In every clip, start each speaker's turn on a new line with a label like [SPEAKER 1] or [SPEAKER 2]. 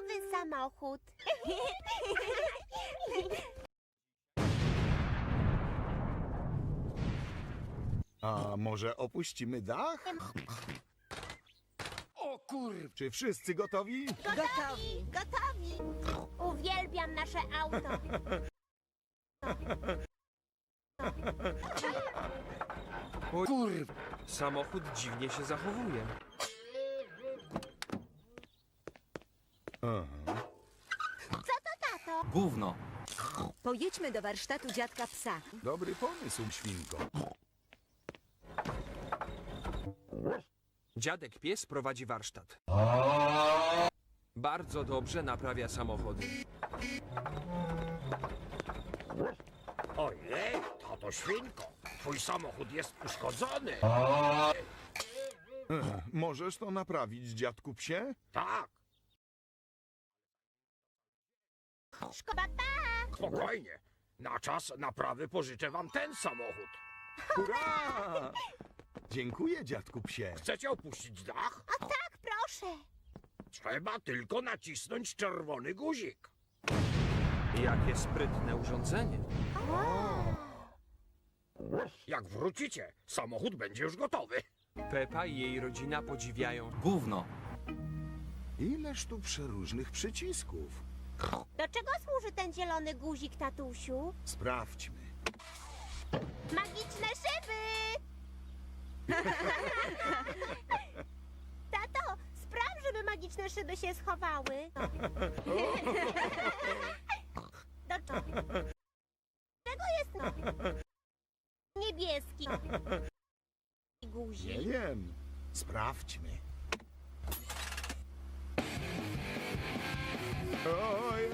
[SPEAKER 1] nowy samochód.
[SPEAKER 2] A może opuścimy dach?
[SPEAKER 3] O kurw!
[SPEAKER 2] Czy wszyscy gotowi?
[SPEAKER 1] Gotowi, gotowi. Uwielbiam nasze auto.
[SPEAKER 3] O kurw! Samochód dziwnie się zachowuje.
[SPEAKER 2] Aha.
[SPEAKER 1] Co to, tato?
[SPEAKER 4] Gówno.
[SPEAKER 5] Pojedźmy do warsztatu dziadka psa.
[SPEAKER 2] Dobry pomysł, świnko.
[SPEAKER 3] Dziadek pies prowadzi warsztat. Bardzo dobrze naprawia samochody.
[SPEAKER 6] Ojej, tato świnko, twój samochód jest uszkodzony.
[SPEAKER 2] Możesz to naprawić, dziadku psie?
[SPEAKER 6] Tak,
[SPEAKER 1] Szkoda, pa!
[SPEAKER 6] spokojnie. Na czas naprawy pożyczę wam ten samochód.
[SPEAKER 2] Hurra! Dziękuję, dziadku psie.
[SPEAKER 6] Chcecie opuścić dach?
[SPEAKER 1] O tak, proszę.
[SPEAKER 6] Trzeba tylko nacisnąć czerwony guzik.
[SPEAKER 3] Jakie sprytne urządzenie.
[SPEAKER 6] Jak wrócicie, samochód będzie już gotowy.
[SPEAKER 3] Pepa i jej rodzina podziwiają.
[SPEAKER 4] Gówno.
[SPEAKER 2] Ileż tu przeróżnych przycisków.
[SPEAKER 1] Do czego służy ten zielony guzik, tatusiu?
[SPEAKER 2] Sprawdźmy.
[SPEAKER 1] Magiczne szyby! Tato, spraw, żeby magiczne szyby się schowały. Do czego jest niebieski
[SPEAKER 2] Nie
[SPEAKER 1] guzik?
[SPEAKER 2] wiem. Sprawdźmy. Ojej.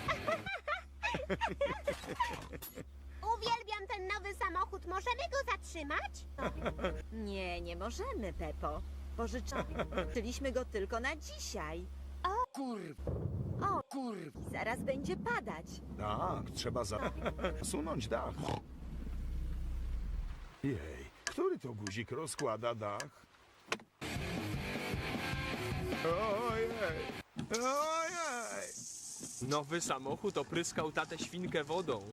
[SPEAKER 1] Uwielbiam ten nowy samochód. Możemy go zatrzymać?
[SPEAKER 5] Nie, nie możemy, Pepo. Pożyczyliśmy go tylko na dzisiaj.
[SPEAKER 3] Kurw!
[SPEAKER 5] O,
[SPEAKER 3] Kurw!
[SPEAKER 5] zaraz będzie padać.
[SPEAKER 2] Tak, trzeba zasunąć dach. Jej, który to guzik rozkłada dach? Ojej! Ojej!
[SPEAKER 3] Nowy samochód opryskał tatę świnkę wodą.